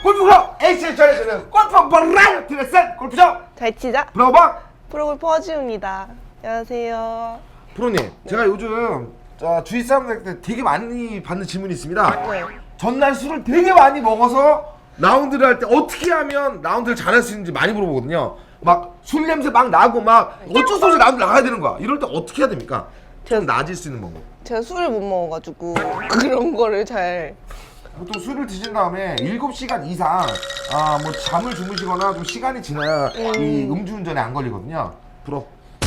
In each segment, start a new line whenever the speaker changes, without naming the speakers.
골프클럽 H를 전해주는 골프 버라이어티 레슨 골프쇼
잘 치자.
브로방
프로골퍼 허지우입니다. 안녕하세요.
프로님, 제가 요즘 주위 사람들한테 되게 많이 받는 질문이 있습니다.
네.
전날 술을 되게 많이 먹어서 라운드를 할 때 어떻게 하면 라운드를 잘할 수 있는지 많이 물어보거든요. 막 술 냄새 막 나고 막 어쩔 수 없이 라운드 나가야 되는 거야. 이럴 때 어떻게 해야 됩니까? 좀 나아질 수 있는 방법.
제가 술을 못 먹어가지고 그런 거를 잘.
보통 술을 드신 다음에 7시간 이상 뭐 잠을 주무시거나 좀 시간이 지나야 이 음주운전에 안 걸리거든요. 불어.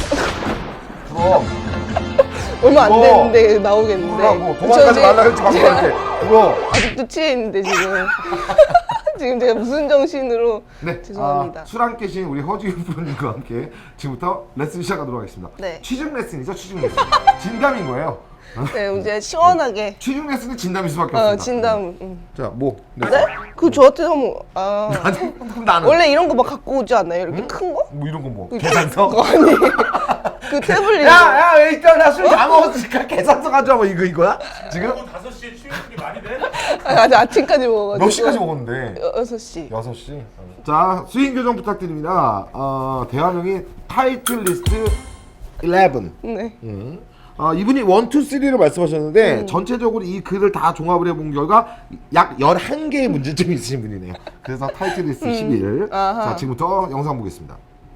얼마 안
뭐,
됐는데 나오겠는데.
불어라고 도망가지 말라 했지 방금한테. 불어.
아직도 취해 있는데 지금. 지금 제가 무슨 정신으로.
네,
죄송합니다.
술 안 깨신 우리 허지우 프로님과 함께 지금부터 레슨 시작하도록 하겠습니다.
네.
취중 레슨이죠, 취중 레슨. 진담인 거예요.
네, 이제 시원하게.
취중 레슨은 진담일 수밖에 없습니다.
진담.
자, 뭐?
네? 그 저한테 한번
아니, 그럼 나는
원래 이런 거 막 갖고 오지 않나요? 이렇게 큰 거?
뭐 이런 거 뭐? 계산서?
아니. 그 태블릿.
야, 일단 나 술 다 먹었으니까 계산서 가져와. 뭐 이거야? 지금?
5시에 취임이 많이 돼?
아직 아침까지 먹어가지고.
몇 시까지 먹었는데?
6시.
6시. 자, 스윙 교정 부탁드립니다. 대화명이 타이틀 리스트 11.
네.
이분이 1, 2, 3를 말씀하셨는데 전체적으로 이 글을 다 종합을 해본 결과 약 11개의 문제점이 있으신 분이네요. 그래서 타이틀 리스트 11.
아하.
자, 지금부터 영상 보겠습니다.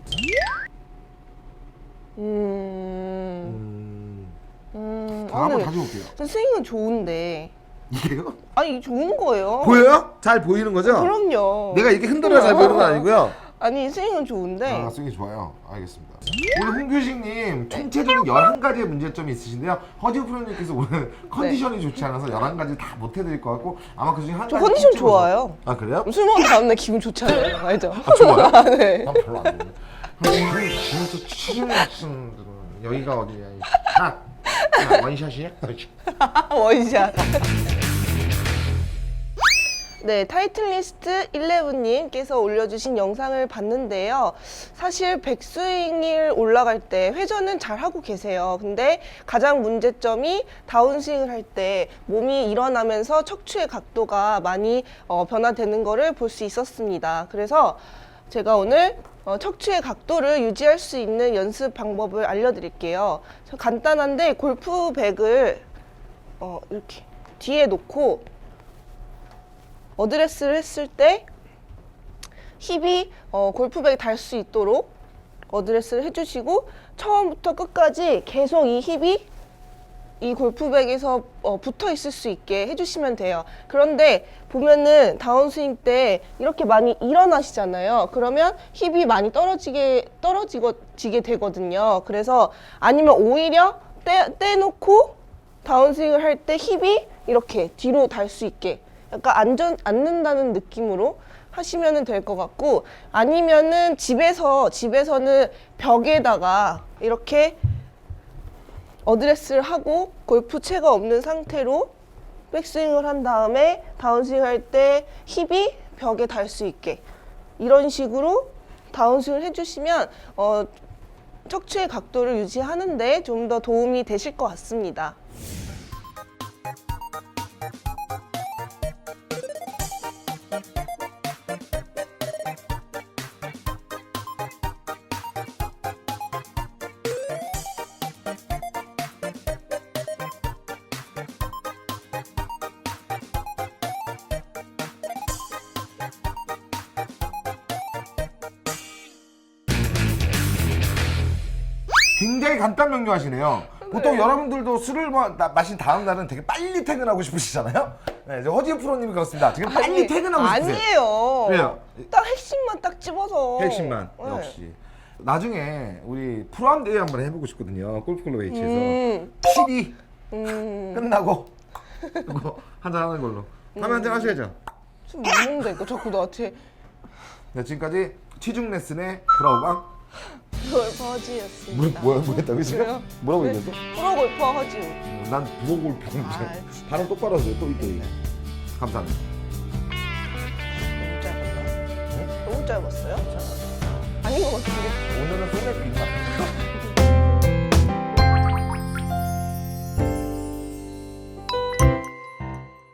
한번 다시 볼게요.
스윙은 좋은데.
이게요?
아니, 이게 좋은 거예요.
보여요? 잘 보이는 거죠?
그럼요.
내가 이렇게 흔들어 잘 보이는 건 아니고요.
아니, 스윙은 좋은데.
스윙이 좋아요. 알겠습니다. 오늘 홍규식님 총체적인 11가지의 문제점이 있으신데요. 허지우 프로님께서 오늘 컨디션이 좋지 않아서 11가지 다 못 해드릴 것 같고 아마 그중에 한
저
가지
컨디션
찝찝어서-
좋아요.
아, 그래요?
술 먹은 다음날 기분 좋잖아요. 알죠?
좋아요?
네.
난 별로 안 좋아해. 진짜 취중했음 여기가 어디야? 원샷이야? 그렇지.
원샷. 네, 타이틀리스트 11님께서 올려주신 영상을 봤는데요. 사실 백스윙을 올라갈 때 회전은 잘 하고 계세요. 근데 가장 문제점이 다운스윙을 할 때 몸이 일어나면서 척추의 각도가 많이 변화되는 것을 볼 수 있었습니다. 그래서 제가 오늘 척추의 각도를 유지할 수 있는 연습 방법을 알려드릴게요. 간단한데 골프백을 이렇게 뒤에 놓고 어드레스를 했을 때 힙이 골프백에 닿을 수 있도록 어드레스를 해주시고 처음부터 끝까지 계속 이 힙이 이 골프백에서 붙어 있을 수 있게 해주시면 돼요. 그런데 보면은 다운스윙 때 이렇게 많이 일어나시잖아요. 그러면 힙이 많이 떨어지게 되거든요. 그래서 아니면 오히려 떼놓고 다운스윙을 할 때 힙이 이렇게 뒤로 달 수 있게 약간 앉는다는 느낌으로 하시면 될 것 같고, 아니면은 집에서는 벽에다가 이렇게 어드레스를 하고 골프채가 없는 상태로 백스윙을 한 다음에 다운스윙 할 때 힙이 벽에 닿을 수 있게 이런 식으로 다운스윙을 해주시면 척추의 각도를 유지하는데 좀 더 도움이 되실 것 같습니다.
굉장히 간단 명료하시네요. 보통 여러분들도 술을 마신 다음 날은 되게 빨리 퇴근하고 싶으시잖아요. 네, 이제 허지우 프로님이 그렇습니다. 지금 빨리 퇴근하고 싶으세요.
아니에요.
왜요?
딱 핵심만 딱 집어서.
핵심만
네.
역시. 나중에 우리 프로암 대회 한번 해보고 싶거든요. 골프클럽 H에서
음.
12 끝나고 그거 한잔 하는 걸로. 다음에 한잔 하셔야죠.
술 못 먹는다니까 자꾸 나한테.
네, 지금까지 취중 레슨의 브라우방
골퍼 허지였습니다.
뭐야 뭐였다고 지금?
그래요?
뭐라고
네.
얘기했어?
프로골퍼 허지우.
난 부고골프
진짜.
발음 똑바로 하세요. 또 감사합니다.
너무 짧았나? 너무 짧았어요? 아닌 것 같은데.
오늘은 소맥 빈다.